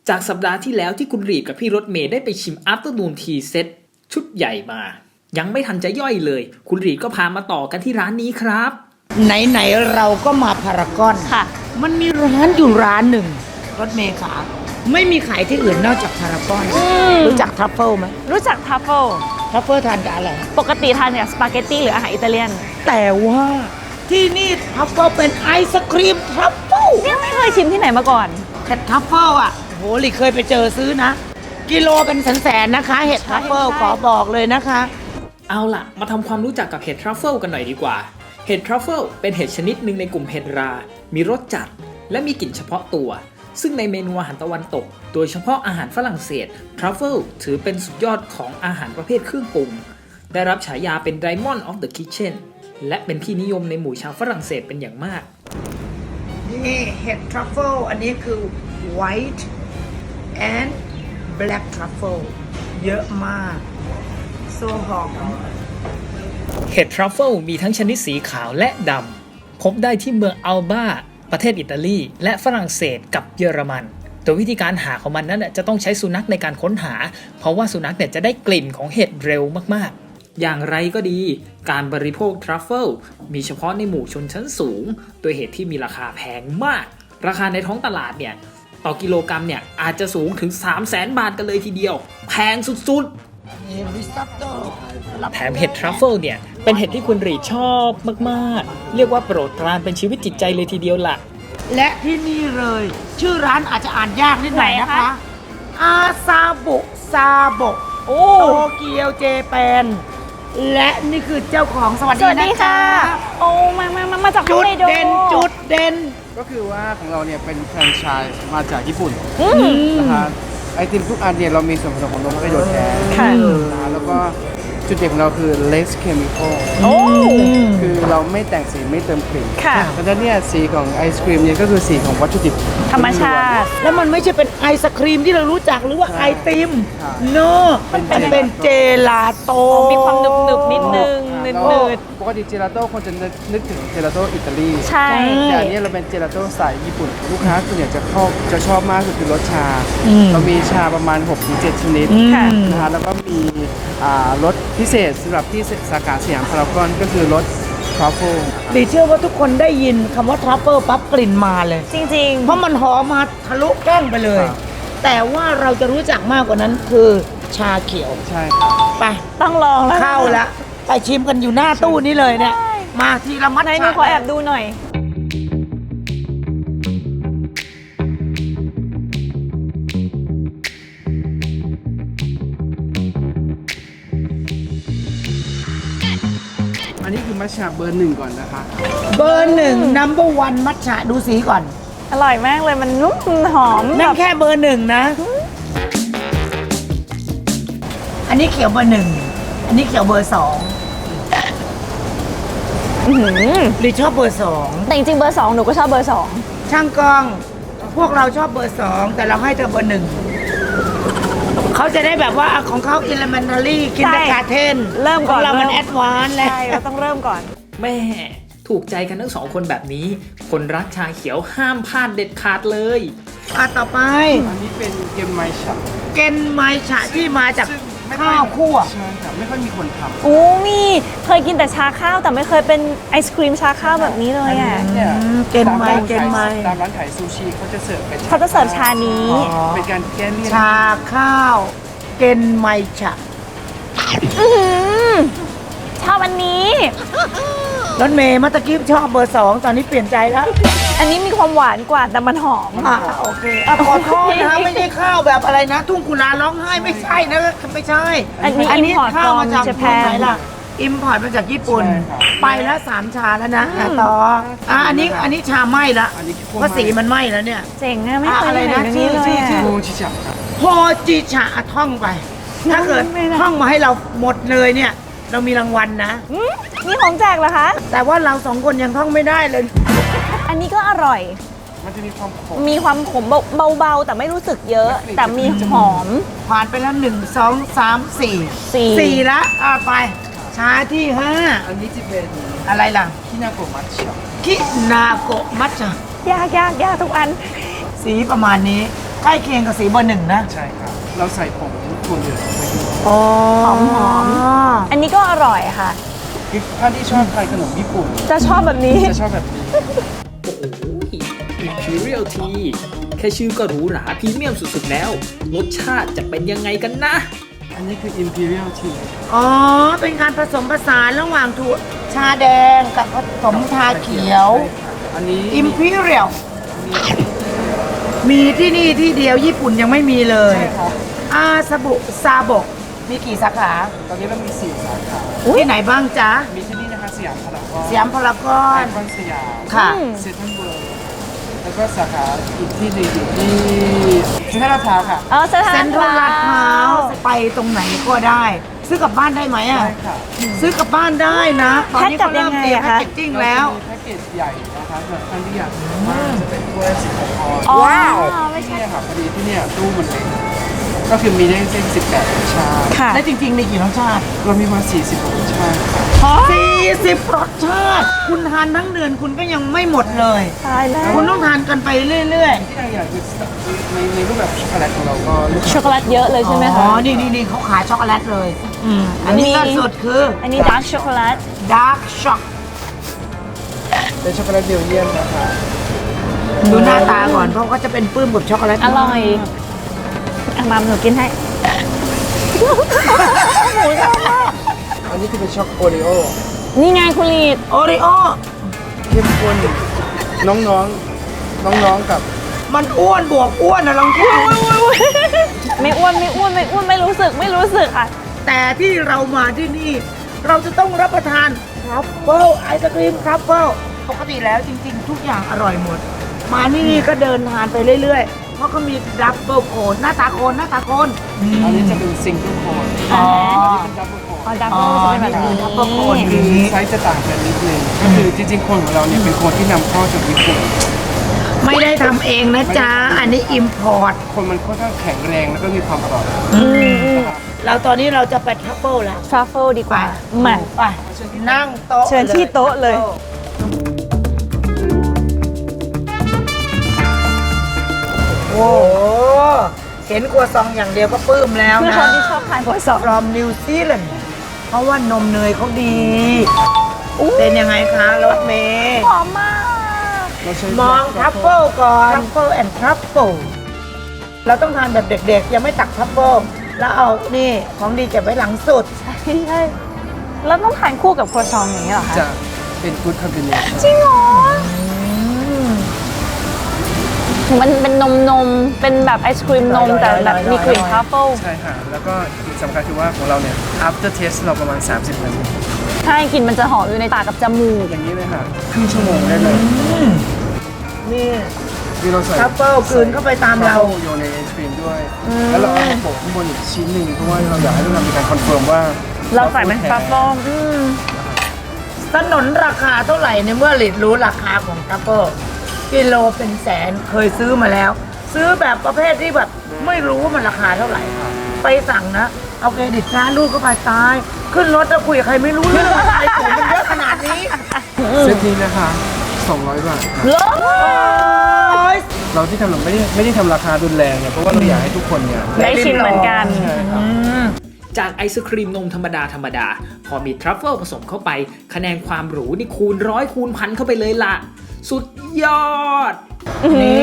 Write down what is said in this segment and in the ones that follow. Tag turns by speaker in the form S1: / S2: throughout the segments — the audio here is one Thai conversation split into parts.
S1: จากสัปดาห์ที่แล้วที่คุณรีดกับพี่รถเมย์ได้ไปชิม Afternoon Tea Set ชุดใหญ่มา ยังไม่ทันจะย่อยเลย คุณรีดก็พามาต่อกันที่ร้านนี้ครับ
S2: ไหนๆเราก็มาพารากอน
S3: ค่ะ
S2: มันมีร้านอยู่ร้านหนึ่งรถเมย์ขาไม่มีขายที่อื่นนอกจากพารากอนรู้จักทรัฟเฟิลไหม
S3: รู้จักทัฟเฟิล
S2: ทรัฟเฟิลทานกับอะไร
S3: ปกติทานกับสปาเกตตี้หรืออาหารอิตาเลียน
S2: แต่ว่าที่นี่ทรัฟเฟิลเป็นไอศครีมทรัฟเฟิล
S3: ยังไม่เคยชิมที่ไหนมาก่อน
S2: เห็ดทรัฟเฟิลอ่ะโหหลีเคยไปเจอซื้อนะ กิโลเป็นแสนๆนะคะเห็ดทรัฟเฟิล
S3: ใช่
S2: ขอบอกเลยนะคะ
S1: เอาล่ะ มาทำความรู้จักกับเห็ดทรัฟเฟิลกันหน่อยดีกว่า เห็ดทรัฟเฟิลเป็นเห็ดชนิดหนึ่งในกลุ่มเห็ดรา มีรสจัด และมีกลิ่นเฉพาะตัว ซึ่งในเมนูอาหารตะวันตก โดยเฉพาะอาหารฝรั่งเศส ทรัฟเฟิลถือเป็นสุดยอดของอาหารประเภทเครื่องปรุง ได้รับฉายาเป็น Diamond of the Kitchen และเป็นที่นิยมในหมู่ชาวฝรั่งเศสเป็นอย่างมาก
S2: นี่เห็ดทรัฟเฟิลอันนี้คือ white and black truffle เยอะมากโซหอม
S1: เห็ดทรัฟเฟิลมีทั้งชนิดสีขาวและดำ พบได้ที่เมืองอัลบาประเทศอิตาลี และฝรั่งเศสกับเยอรมัน โดยวิธีการหาของมันนั้นจะต้องใช้สุนัขในการค้นหา เพราะว่าสุนัขจะได้กลิ่นของเห็ดเร็วมากๆ อย่างไรก็ดี การบริโภคทรัฟเฟิลมีเฉพาะในหมู่ชนชั้นสูง โดยเห็ดที่มีราคาแพงมาก ราคาในท้องตลาดต่อกิโลกรัมอาจจะสูงถึง 300,000 บาทกันเลยทีเดียว แพงสุดๆ
S2: นี่ริซอตโต้
S1: แถมเห็ดทรัฟเฟิลเป็นเห็ดที่คุณรีชอบมากๆ เรียกว่าโปรดปรานเป็นชีวิตจิตใจเลยทีเดียวล่ะ
S2: และที่นี่เลย ชื่อร้านอาจจะอ่านยากนิดหน่อยนะ
S3: ไหน
S2: คะ
S3: คะ
S2: อาซาบุซาโบ
S3: โอ้
S2: โตเกียวเจแปนและนี่คือเจ้าของสวัส
S3: ส
S2: ดี
S3: วัส
S2: นะ
S3: ดี
S2: คะ
S3: ค่ะ โอ้มาจากฮอ
S2: จุ
S3: ก
S2: ด
S3: ไกโด
S2: เด่นจุดเด่น
S4: ก็คือว่าของเราเนี่ยเป็นแฟรนไชส์มาจากญี่ปุ่น
S3: อืม
S4: นะคะไอติมทุกอันเนี่ยเรามีส่วนผสมของนมฮอกไกโดแท้
S3: ค่ะ
S4: นะคะแล้วก็จุดเด่นของเราคือ less chemical
S3: โอ้
S4: คือเราไม่แต่งสีไม่เติมกลิ่น
S3: ค่ะ
S4: เพราะฉะนั้นเนี่ยสีของไอศครีมเนี่ยก็คือสีของวัตถุดิบ
S3: ธรรมชาติ
S2: แล้วมันไม่ใช่เป็นไอศครีมที่เรารู้จักหรือว่า
S4: ใช่
S2: ไอติม
S4: ค่ะ
S2: โนมันเป็นเจลาโต
S3: มีความหนึบๆนิดนึง
S4: อ่า
S3: นื
S4: แล้ว
S3: ด
S4: ปกติเจลาโต้คนจะนึกถึงเจลาโต้อิตาลี
S3: ๆใช่
S4: แต่อันนี้เราเป็นเจลาโต้สายญี่ปุ่น ลูกค้าส่วนใหญ่จะชอบมากคือรสชา
S2: อืม
S4: เรามีชาประมาณ 6-7 ชนิด
S3: ค่ะ
S4: นะคะแล้วก็มีรสพิเศษสำหรับที่สาขาสยามพารากอนก็คือรสทรัฟเฟิล
S2: ดีเชื่อว่าทุกคนได้ยินคำว่าทรัฟเฟิลปั๊บกลิ่นมาเลย
S3: จริง
S2: เพราะมันหอมมาทะลุแก้มไปเลย
S4: ครับ
S2: แต่ว่าเราจะรู้จักมากกว่านั้นคือชาเขียว
S4: ใช่ครับ
S2: ไป
S3: ๆ ต้องลองแล้ว
S2: เข้าละไปชิมกันอยู่หน้าตู้นี้เลยเนี่ย มาทีละมัด
S3: ไหนหนูขอแอบดูหน่อย
S4: อันนี้คือมัชชาเบอร์หนึ่งก่อนนะคะ
S2: เบอร์หนึ่งnumber one มัทฉะดูสีก่อน
S3: อร่อยมากเลยมันนุ่มหอม
S2: นั่
S3: แบ
S2: น
S3: บ
S2: แค่เบอร์หนึ่งนะ อันนี้เขียวเบอร์หนึ่งอันนี้เขียวเบอร์สอง
S3: อื้อหือ
S2: หรือชอบเบอร์สอง
S3: แต่จริงๆเบอร์ 2 หนูก็ชอบเบอร์
S2: ช่างกล้อง พวกเราชอบเบอร์สองแต่เราให้เธอเบอร์หนึ่งเขาจะได้แบบว่าของเขา elementary kindergarten
S3: เริ่มก่อน
S2: ของเรามัน
S3: เริ่ม
S2: advanced
S3: 2
S2: แล้ว
S3: ใช่เราต้องเริ่มก่อน
S1: แม่ถูกใจกันทั้งสองคนแบบนี้ คนรักชาเขียวห้ามพลาดเด็ดขาดเลย
S2: ต่อไป
S4: อันนี้เป็นเกมไมชา
S2: เกนไมฉะที่มาจาก
S4: ซึ่งไม่ค่อย
S2: ข้าวคั่ว
S4: ใช่ครับไม่ค่อยมีคนทำ
S3: โอ้มีเคยกินแต่ชาข้าวแต่ไม่เคยเป็นไอศครีมชาข้าวแบบนี้เลยอ่ะ
S4: เนี่ย
S2: เกนไม
S4: ตาร้าน
S2: เกนไม
S4: ตามร้านขายซูชิเขาจะเสิร์ฟเป็น
S3: เขาจะเสิร์ฟชานี้
S4: เป็นการแก้เลี่ยน
S2: ชาข้าว เกนไมฉะ
S3: อื้อหือชอบอันนี้
S2: รถเมย์เมื่อตะกี้ชอบเบอร์สองตอนนี้เปลี่ยนใจแล้ว
S3: อันนี้มีความหวานกว่าแต่มันหอม
S2: โอเคขอโทษนะไม่ใช่ข้าวแบบอะไรนะ ทุ่งกุลาร้องไห้ไม่ใช่นะไม่ใช่
S3: อันนี้ import
S2: ข้าวมาจาก
S3: from
S2: เมืองไหน
S3: Japan
S2: ล่ะอิมพอร์ตมาจากญี่ปุ่น ไปแล้ว3 ชาแล้วนะต่ออันนี้ชาไหม้ละ
S4: อันนี้
S2: เพราะสีมันไหม้แล้วเนี่ย
S3: เจ๋งอะไม่เคย
S2: อะไร
S3: เห็น
S2: นะ
S3: อย่างนี้เลย
S2: ชื่อ
S3: อะ
S4: โมชิจับครับ
S2: โฮจิชะท่องไป ถ้าเกิด
S3: ไม่ได้
S2: ท่องมาให้เราหมดเลยเนี่ย เรามีรางวัลนะ
S3: อืมนี่ของแจกเหรอคะ
S2: แต่ว่าเรา2 คนยังท่องไม่ได้เลย
S3: อันนี้ก็อร่อย
S4: มันจะมีความขม
S3: มีความขมเบาๆ แต่ไม่รู้สึกเยอะ แต่มีหอม
S2: ผ่านไปแล้ว1 2 3 4
S3: 4
S2: 4ละไป ชาที่
S4: อันนี้จะเป็น
S2: 5 อะไรล่ะ
S4: คินาโกะมัทฉะ
S2: คินาโกะมัทฉะ
S3: ยากทุกอัน
S2: สีประมาณนี้ใกล้เคียงกับสีเบอร์หนึ่งนะ
S4: ใช่ครับ เราใส่ผงถั่วเหลืองไปด้วย
S2: อ๋อ
S3: หอม อันนี้ก็อร่อยค่ะ
S4: คือถ้าที่ชอบทานขนมญี่ปุ่น
S3: จะชอบแบบนี้
S4: จะชอบแบบนี้
S1: โอ้โห Imperial Tea แค่ชื่อก็หรูหราพรีเมียมสุดๆแล้ว รสชาติจะเป็นยังไงกันนะ
S4: อันนี้คือ Imperial Tea
S2: อ๋อ เป็นการผสมผสานระหว่างถั่วชาแดงกับผสมชาเขียว
S4: อันนี้
S2: Imperial มีที่นี่ที่เดียวญี่ปุ่นยังไม่มีเลย
S4: ใช่ครับ
S2: อาซาบุซาบกมีกี่สาขา
S4: ตอนนี้เรามี 4 สาขา
S2: ที่ไหนบ้างจ๊ะ
S4: มีที่นี่นะคะสยามพารากอน
S2: สยามพารากอ
S4: ไอน คอนสยาม
S2: ค่ะ
S4: เซ็นทรัลเวิลด์แล้วก็สาขาอีกที่หนึ่งอยู่ที่เซ็นทรัลลาดพร้าวค่ะ
S3: เออเซ็นท
S2: เซ็
S3: รั
S2: น
S3: ล
S2: ทรัลลาดพร้าวไปตรงไหนก็ได้ ซื้อกลับบ้านได้ไหมอ่ะ
S4: ใช่ค่ะ
S2: ซื้อกลับบ้านได้นะ ตอนนี้เขาเริ่มเตรียมแพ็กเกจจิ้งแล้ว
S4: เราจะมีแพ็กเกจใหญ่นะคะสำหรับท่านที่อยากรู้ว่าจะเป็นถ้วย16ออนซ์
S3: อ๋อ
S2: ว้าว
S3: ไม่
S4: ที่
S3: ใช่
S4: เนี่ยค่ะพอดีที่เนี่ยตู้มันเล็กก็คือมีได้เส้น18รสชาติ
S3: ค่ะ
S2: และจริงๆมีกี่รสชาติ
S4: เรามีมา40รสชาติค่ะ
S2: 40 รสชาติ คุณทานทั้งเดือนคุณก็ยังไม่หมดเลย
S3: ตายแล้ว
S2: คุณต้องทานกันไปเรื่อย
S4: ที่เราอยากคือในรูปแบบช็อกโกแลตของเราก็ลูก
S3: ช็อกโกแลตเยอะเลย
S2: ๆ
S3: ใช่ไหม
S2: อ๋
S3: คะ
S2: อ นี่เขาขายช็อกโกแลตเลย อันนี้ล่าสุดคือ
S3: อันนี้ดาร์กช็อกโกแลต
S2: Dark Shock
S4: เป็นช็อกโกแลตเบลเยียมนะคะ
S2: ดูหน้าตาก่อนเพราะก็จะเป็นปื้มกับช็อกโกแลต
S3: อร่อยอ่ะมาหนูกินให้
S4: อันนี้คือเป็นช็อกโอริโอ
S3: นี่ไงคุณลีด
S2: โอริโอ
S4: เข้มข้นน้องๆกับ
S2: มันอ้วนบวกอ้วนนะลองคิดดู
S3: ไม่อ้วนไม่รู้สึกค่ะ
S2: แต่ที่เรามาที่นี่ เราจะต้องรับประทานทรัฟเฟิลไอศครีมทรัฟเฟิลปกติแล้วจริงๆ ทุกอย่างอร่อยหมด มานี่ก็เดินทานไปเรื่อยๆ เพราะเขามีดับเบิลโคนหน้าตาโคนหน้าตาโคน
S4: อันนี้จะเป็นซิงเกิลโคน
S3: อ๋อ
S4: อันนี้เป็นดับเบิลโคน
S3: อ๋อดับเบิลจะเป็นแบบนี้
S2: ดับเบิลโคน
S4: คือไซส์จะต่างกันนิดนึงก็คือจริงๆโคนของเราเนี่ยเป็นโคนที่นำเข้าจากญี่ปุ่น
S2: ไม่ได้ทำเองนะจ๊ะ อันนี้อิมพอร์ต
S4: คนมันค่อนข้างแข็งแรงแล้วก็มีความกรอบ
S2: แล้วตอนนี้เราจะไปทรัฟเฟิลแล้ว
S3: ทรัฟเฟิลดีก
S2: ไป
S3: ว่ามา
S2: ไปนั่งโต๊ะ
S3: เชิญที่โต๊ะเลย
S2: โอ้โหเห็นครัวซองอย่างเดียวก็ปลื้มแล้ว
S3: เพื่อ
S2: นะ
S3: คนที่ชอบทานก๋วยซอง
S2: from New Zealand เพราะว่านมเนยเขาดี เป็นยังไงคะรถเมย์
S3: หอมมาก
S4: เราใช้
S2: มองทัฟเฟิลก่อนทัฟเฟิลแอนด์ทัฟเฟิลเราต้องทานแบบเด็กๆ ยังไม่ตักทัฟเฟิลแล้วเอานี่ของดีเก็บไว้หลังสุด
S3: ใช่แล้วต้องทานคู่กับครัวซองอย่างนี้เหรอคะ
S4: จะเป็นกู๊ดคอมบิเนชั่น
S3: จริงเหรอมันเป็นนมเป็นแบบไอศครีมนมแต่แบบมีกลิ่นทรัฟเฟิล
S4: ใช่ค่ะ แล้วก็อีกสำคัญคือว่าของเราเนี่ย after taste เราประมาณ 30 นาที
S3: ใช่กลิ่นมันจะหอมอยู่ในปากกับจมูก
S4: อย่างนี้เลยค่ะครึ่งชั่วโมงได้เลย
S2: นี่
S4: คือเราใส่
S2: ทัฟเฟิลกลืนเข้าไปตามเรา
S4: ทฟฟิลโยนในไอศครีมด้วย แล้วเราเอามาโปะข้างบนอีกชิ้นหนึ่งเพราะว่าเราอยากให้ทุกคนมีการคอนเฟิร์มว่า
S3: เราใส่เป็นทรัฟเฟิล
S2: สนนราคาเท่าไหร่ในเมื่อหลิดรู้ราคาของทัฟเฟิลกิโลเป็นแสนเคยซื้อมาแล้ว ซื้อแบบประเภทที่แบบไม่รู้ว่ามันราคาเท่าไหร่ ไปสั่งนะ เอาเครดิตร้านลูกก็ไปตาย ขึ้นรถแล้วคุยกับใครไม่รู้เรื่องอะไรของมันเยอะขนาดนี้
S4: เซตนี้นะคะ 200 บาทค่ะ
S3: เลิศ
S4: เราที่ทำเราไม่ได้ทำราคารุนแรงเนี่ยเพราะว่าเราอยากให้ทุกคนเนี่ย
S3: ได้ชิมเหมือนกัน
S4: ใช่ครับ
S1: จากไอศครีมนมธรรมดา พอมีทรัฟเฟิลผสมเข้าไป คะแนนความหรูนี่คูณร้อยคูณพันเข้าไปเลยล่ะ สุดยอด
S2: นี่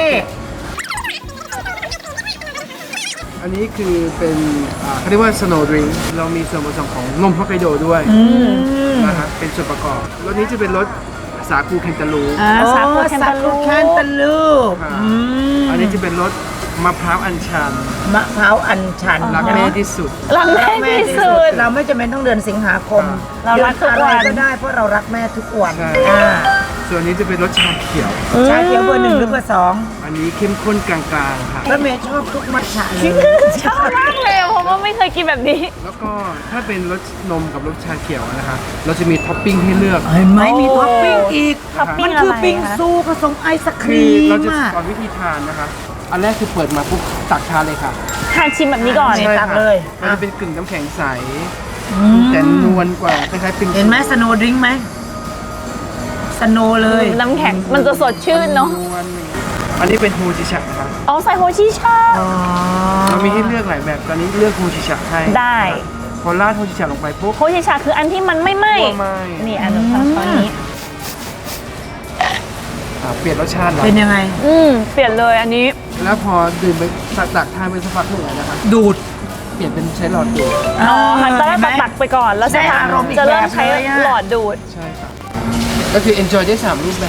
S4: อันนี้คือเป็นเขาเรียกว่า snow drink เรามีส่วนผสมของนมฮอกไกโดด้วยนะฮะเป็นส่วนประกอบรสนี้จะเป็นรสสาคูเคนตาลู
S3: สาคูแคนตาลู
S2: แคนตาลู
S4: ค่ะอันนี้จะเป็นรสมะพร้าวอัญชัน
S2: มะพร้าวอัญชัน
S4: รักแม่ที่สุด
S3: รักแม่ที่สุด
S2: เราไม่จำเป็นต้องเดือนสิงหาคม
S3: เรารักทุกวัน
S2: เดืออะไรก็ได้เพราะเรารักแม่ทุกวัน
S4: ใช่
S2: อ่า
S4: ส่วนนี้จะเป็นรสชาเขียว
S2: ชาเขียวเบอร์หนึ่งหรือเบอร์สอง
S4: อันนี้เข้มข้นกลางๆค่ะ
S2: แล้วเมย์ชอบทุกมัทฉะเลย
S3: ชอบมากเลยเพราะว่าไม่เคยกินแบบนี้
S4: แล้วก็ถ้าเป็นรสนมกับรสชาเขียวนะคะเราจะมีท็อปปิ้งให้เลือก
S2: เห็นไหมมีท็อปปิ้งอีก
S3: ท็อปปิ้
S2: มั
S3: ง
S2: นคือ
S3: อะไร
S2: ปิ้ง
S3: คะ
S2: ซูผสมไอศค
S4: คื
S2: รี
S4: อ
S2: ม
S4: เราจะ
S2: อะ
S4: สอนวิธีทานนะคะ อันแรกคือเปิดมาปุ๊บตักทานเลยค่ะ
S3: ทานชิมแบบนี้ก่อน
S2: ใช่ ตักเลย
S4: มันจะเป็นกึ่งน้ำแข็งใสแต่นวลกว่าคล้ายๆปิ้ง
S2: เห็นไหมสโนว์ดริงก์ไหมสโนว์เลย
S3: น้ำแข็งมันจะสดชื่นเนาะ
S4: นวลอันนี้เป็นโฮจิชะครับ
S3: อ๋อใส่โฮชิชา
S4: เรามีให้เลือกหลายแบบตอนนี้เลือกโฮจิชะให้
S3: ได้
S4: พอราดโฮจิชะลงไปปุ๊บ
S3: โฮชิชาคืออันที่มันไม่ไหม้
S4: ไม่ไหม้
S3: นี่อันนี้ช้อนนี้
S4: เปลี่ยนรสชาติแล้ว
S2: เป็นยังไง
S3: เปลี่ยนเลยอันนี้
S4: แล้วพอดื่มไปตักทานไปสักพักหนึ่งนะครับ
S2: ดูด
S4: เปลี่ยนเป็นใช้หลอดดูด
S3: อ๋อหันตอนแรกตักไปก่อนแล้ว
S2: ได้อารมณ์อีก
S3: จะเริ่มใช้
S2: แบบเลยอะ
S3: หลอดดูด
S4: ใช่ครับก็คือ enjoy ได้3รูปแบบ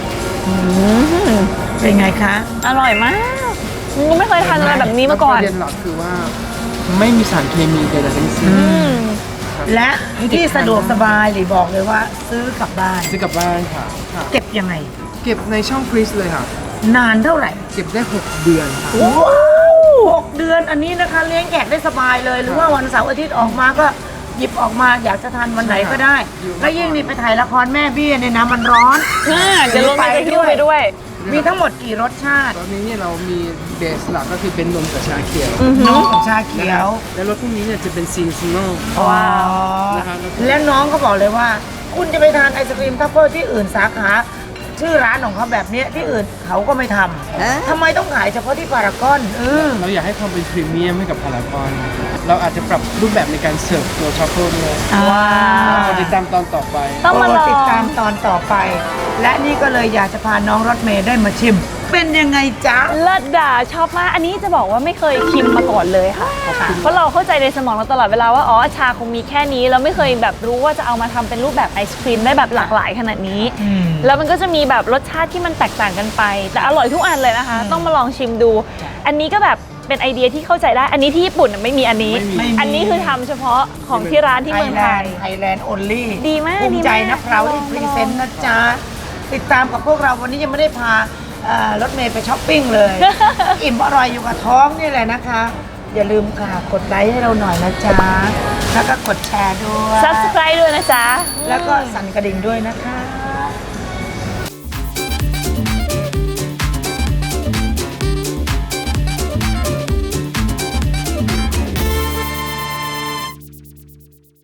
S2: เป็นไงคะ
S3: อร่อยมากกูไม่เคยทานอะไรแบบนี้มาก่อน
S4: ประเด็นหลักคือว่าไม่มีสารเคมีใดๆทั้งสิ้น
S2: และที่สะดวกสบายหรือบอกเลยว่าซื้อกลับบ้าน
S4: ซื้อกลับบ้านค่ะค่ะ
S2: เก็บยังไง
S4: เก็บในช่องฟรีซเลยค่ะ
S2: นานเท่าไหร่
S4: เก็บได้ 6 เดือนค่ะ
S2: ว้าว6 เดือนอันนี้นะคะเลี้ยงแขกได้สบายเลย หรือว่าวันเสาร์อาทิตย์ออกมาก็หยิบออกมาอยากจะทานวันไหนก็ได้ แล้วยิ่งนี่ไปถ่ายละครแม่เบี้ยในน้ำมันร้อน
S3: เดี๋ยวลงไปหิ้วไปด้วย
S2: มีทั้งหมดกี่รสชาติ
S4: ตอนนี้เนี่ยเรามีเบสหลักก็คือเป็นนมกับชาเขียว
S2: น้องของชาเขียว
S4: และรสพวกนี้เนี่ยจะเป็นซีซันนอล
S2: ว้าว
S4: นะครับ
S2: และน้องเขาบอกเลยว่า คุณจะไปทานไอศครีมทัฟเฟิลที่อื่นสาขา ชื่อร้านของเขาแบบเนี้ยที่อื่นเขาก็ไม่ทำทำไมต้องขายเฉพาะที่พารากอน
S4: เราอยากให้ความเป็นพรีเมียมให้กับพารากอนเราอาจจะปรับรูปแบบในการเสิร์ฟตัวช็อกโกแลตด้วย
S2: ว้าว
S4: ติดตามตอนต่อไป
S3: ต้องมาลอง
S2: ติดตามตอนต่อไป และนี่ก็เลยอยากจะพาน้องรถเมย์ได้มาชิม เป็นยังไงจ๊ะ
S3: เลิศด่าชอบมาก อันนี้จะบอกว่าไม่เคยชิมมาก่อนเลยค่ะ เพราะเราเข้าใจในสมองเราตลอดเวลาว่าอ๋อชาคงมีแค่นี้เราไม่เคยแบบรู้ว่าจะเอามาทำเป็นรูปแบบไอศครีมได้แบบหลากหลายขนาดนี้ แล้วมันก็จะมีแบบรสชาติที่มันแตกต่างกันไป แต่อร่อยทุกอันเลยนะคะ ต้องมาลองชิมดู อันนี้ก็แบบเป็นไอเดียที่เข้าใจได้ อันนี้ที่ญี่ปุ่นไม่มีอันนี้
S2: ไม่มี
S3: อันนี้คือทำเฉพาะของที่ร้านที่เมืองไทย
S2: ไทยแลนด์โอลี่
S3: ดีมาก
S2: ภูมิใจ
S3: ดีมาก
S2: นะเราที่พรีเซนต์นะจ๊ะ ติดตามกับพวกเราวันนี้ยังไม่ได้พารถเมย์ไปช้อปปิ้งเลย อิ่มอร่อยอยู่กับท้องนี่แหละนะคะ อย่าลืมค่ะกดไลค์ให้เราหน่อยนะจ๊ะ แล้วก็กดแชร์ด้วย
S3: Subscribe ด้วยนะจ๊ะ
S2: แล้วก็สั่นกระดิ่งด้วยนะคะ